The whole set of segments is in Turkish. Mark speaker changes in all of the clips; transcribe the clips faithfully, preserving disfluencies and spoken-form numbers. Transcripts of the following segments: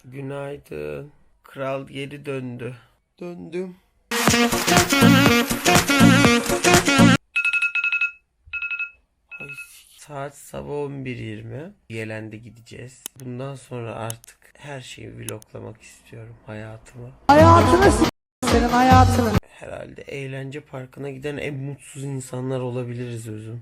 Speaker 1: Günaydın. Kral geri döndü. Döndüm. Ay, saat sabah on bir yirmi. Yelen'de gideceğiz. Bundan sonra artık her şeyi vloglamak istiyorum, hayatımı.
Speaker 2: Hayatını s- senin hayatını.
Speaker 1: Herhalde eğlence parkına giden en mutsuz insanlar olabiliriz Özüm.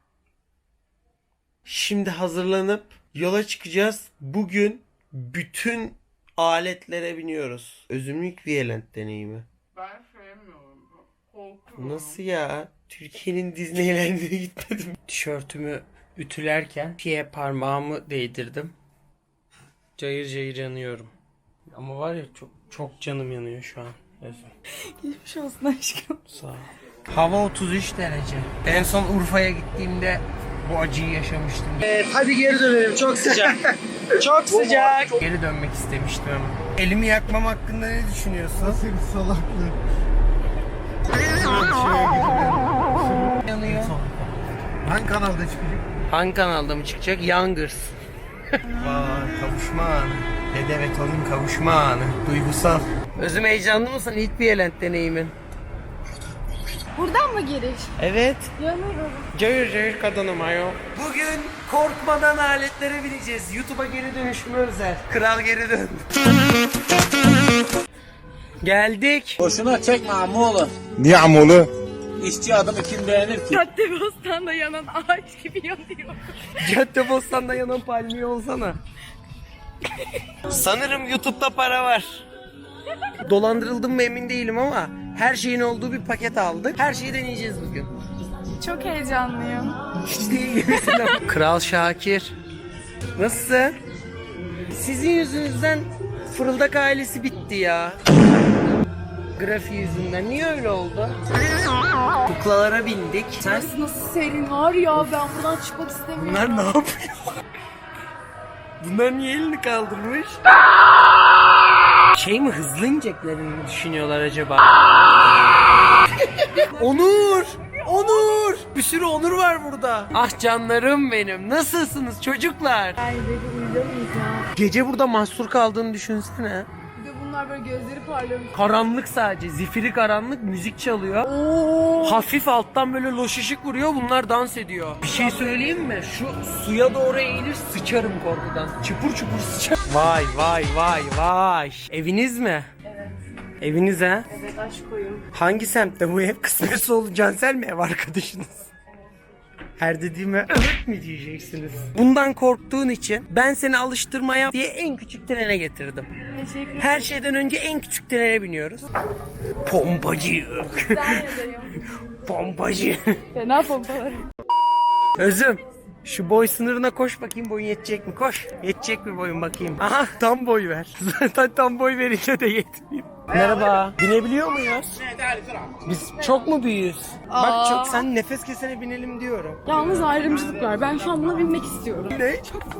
Speaker 1: Şimdi hazırlanıp yola çıkacağız. Bugün bütün aletlere biniyoruz. Özümlük Violent deneyimi.
Speaker 3: Ben sevmiyorum. Korkuyorum.
Speaker 1: Nasıl ya? Türkiye'nin Disneyland'ine gitmedim. Tişörtümü ütülerken piye parmağımı değdirdim. Cayır cayır yanıyorum. Ama var ya çok çok canım yanıyor şu an. Özüm.
Speaker 2: Geçmiş olsun aşkım.
Speaker 1: Sağ ol. Hava otuz üç derece. En son Urfa'ya gittiğimde bu acıyı yaşamıştım. Evet, hadi geri dönelim. Çok sıcak. Çok sıcak. Geri dönmek istemiştim ama. Elimi yakmam hakkında ne düşünüyorsun?
Speaker 4: Nasıl bir salaklık?
Speaker 1: Yanıyor.
Speaker 4: Hangi kanalda çıkacak?
Speaker 1: Hangi kanalda mı çıkacak? Youngers. Vay, kavuşma anı. Dede ve torun kavuşma anı. Duygusal. Özüm, heyecanlı mısın ilk bir Violent deneyimin?
Speaker 5: Buradan mı giriş?
Speaker 1: Evet.
Speaker 5: Yanıyorum.
Speaker 1: Cayır cayır kadınım ayol. Bugün korkmadan aletlere bineceğiz. YouTube'a geri dönüşüme özel. Kral geri döndü. Geldik.
Speaker 6: Boşuna çekme amoğlu.
Speaker 4: Niye amolu?
Speaker 6: İşçi adamı kim beğenir ki?
Speaker 5: Caddebostan'da yanan ağaç gibi yanıyor.
Speaker 1: Caddebostan'da yanan palmiye olsana. Sanırım YouTube'da para var. Dolandırıldım mı emin değilim ama her şeyin olduğu bir paket aldık. Her şeyi deneyeceğiz bugün.
Speaker 5: Çok heyecanlıyım.
Speaker 1: Hiç değil gibisin ama. Kral Şakir. Nasılsın? Sizin yüzünüzden Fırıldak ailesi bitti ya. Grafiği yüzünden. Niye öyle oldu? Kuklalara bindik. Sen...
Speaker 5: Nasıl nasıl serin var ya, ben buradan çıkmak istemiyorum.
Speaker 1: Bunlar ne yapıyor? Bunlar niye elini kaldırmış? Şey mi, hızlı ineceklerini mi düşünüyorlar acaba? Onur! Onur! Bir sürü Onur var burada. Ah canlarım benim. Nasılsınız çocuklar?
Speaker 5: Ay dedi, uyuyamayız ya.
Speaker 1: Gece burada mahsur kaldığını düşünsene.
Speaker 5: Bir de bunlar böyle gözleri parlıyormuş.
Speaker 1: Karanlık sadece. Zifiri karanlık, müzik çalıyor.
Speaker 5: Oo.
Speaker 1: Hafif alttan böyle loş ışık vuruyor, bunlar dans ediyor. Bir şey söyleyeyim mi? Şu suya doğru eğilir, sıçarım korkudan. Çıpur çıpur sıçar. Vay vay vay vay. Eviniz mi?
Speaker 5: Evet.
Speaker 1: Eviniz ha?
Speaker 5: Evet, aşk koyun.
Speaker 1: Hangi semtte bu ev? Kısmetse oldu, Cansel mi ev arkadaşınız? Her dediğime evet mi diyeceksiniz? Bundan korktuğun için ben seni alıştırmaya diye en küçük trene getirdim.
Speaker 5: Teşekkür ederim.
Speaker 1: Her şeyden önce en küçük trene biniyoruz. Pompacı.
Speaker 5: Güzel ederim.
Speaker 1: Pompacı.
Speaker 5: Fena pompalarım.
Speaker 1: Özüm, şu boy sınırına koş bakayım, boyun yetecek mi? Koş. Yetecek mi boyun bakayım? Aha, tam boy ver. Zaten tam boy verince de yetmiyor. Merhaba. Binebiliyor muyuz? Biz çok mu büyüğüz? Bak çok, sen nefes kesene binelim diyorum.
Speaker 5: Yalnız ayrımcılık var. Ben şu an buna binmek istiyorum.
Speaker 1: Ne?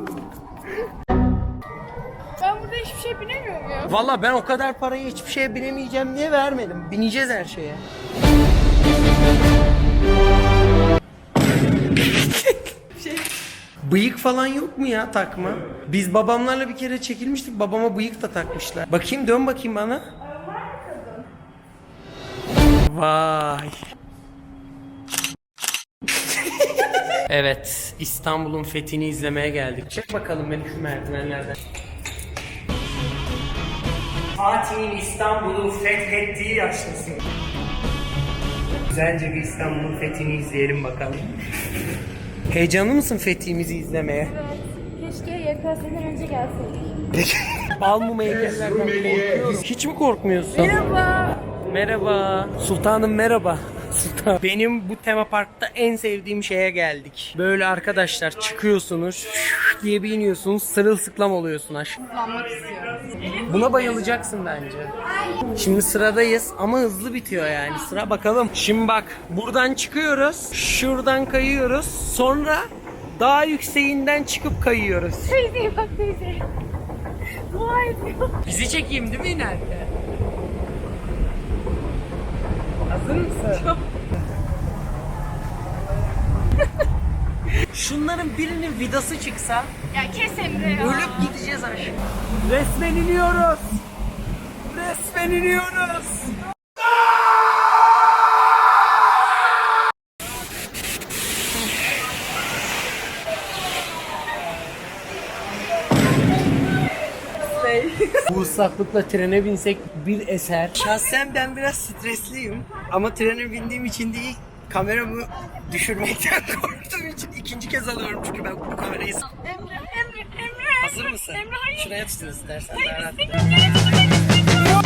Speaker 5: Ben burada hiçbir şey binemiyorum ya.
Speaker 1: Valla ben o kadar parayı hiçbir şeye binemeyeceğim diye vermedim. Bineceğiz her şeye. Bıyık falan yok mu ya takma? Biz babamlarla bir kere çekilmiştik. Babama bıyık da takmışlar. Bakayım, dön bakayım bana. Vay. Evet, İstanbul'un fethini izlemeye geldik. Çek bakalım beni şu merdivenlerden. Fatih'in İstanbul'u fethettiği yaşlısın. Güzelce bir İstanbul'un fethini izleyelim bakalım. Heyecanlı mısın fethimizi izlemeye?
Speaker 5: Keşke Y K S'den önce gelseydik.
Speaker 1: Bal mum heykellerden korkuyorum. Hiç mi korkmuyorsun?
Speaker 5: Merhaba.
Speaker 1: Merhaba. Sultanım merhaba. Sultan. Benim bu tema parkta en sevdiğim şeye geldik. Böyle arkadaşlar çıkıyorsunuz diye bir iniyorsunuz, sırılsıklam oluyorsun aşkım.
Speaker 5: Kullanmak istiyorum.
Speaker 1: Buna bayılacaksın bence. Şimdi sıradayız ama hızlı bitiyor yani sıra, bakalım. Şimdi bak, buradan çıkıyoruz, şuradan kayıyoruz, sonra daha yükseğinden çıkıp kayıyoruz.
Speaker 5: Teyzeye bak, teyze. Dua ediyor.
Speaker 1: Bizi çekeyim değil mi inerken? Hazır mısın? Şunların birinin vidası çıksa
Speaker 5: Ya kes Emre ya.
Speaker 1: ölüp gideceğiz aşağı. Resmen iniyoruz. Resmen iniyoruz. Bu ıslaklıkla trene binsek bir eser. Şahsen ben biraz stresliyim. Ama trene bindiğim için değil, kameramı düşürmekten korktuğum için ikinci kez alıyorum çünkü ben bu kamerayı...
Speaker 5: Emre, Emre, Emre.
Speaker 1: Hazır mısın?
Speaker 5: Emre hayır.
Speaker 1: Şuraya tutun istersen.
Speaker 5: Hayır,
Speaker 1: daha rahat.
Speaker 5: istemiyorum. Nereye tutmak istemiyorum.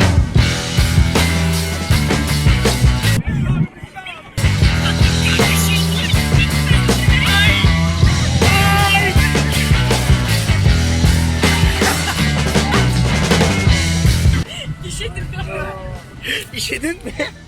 Speaker 1: İşedin mi?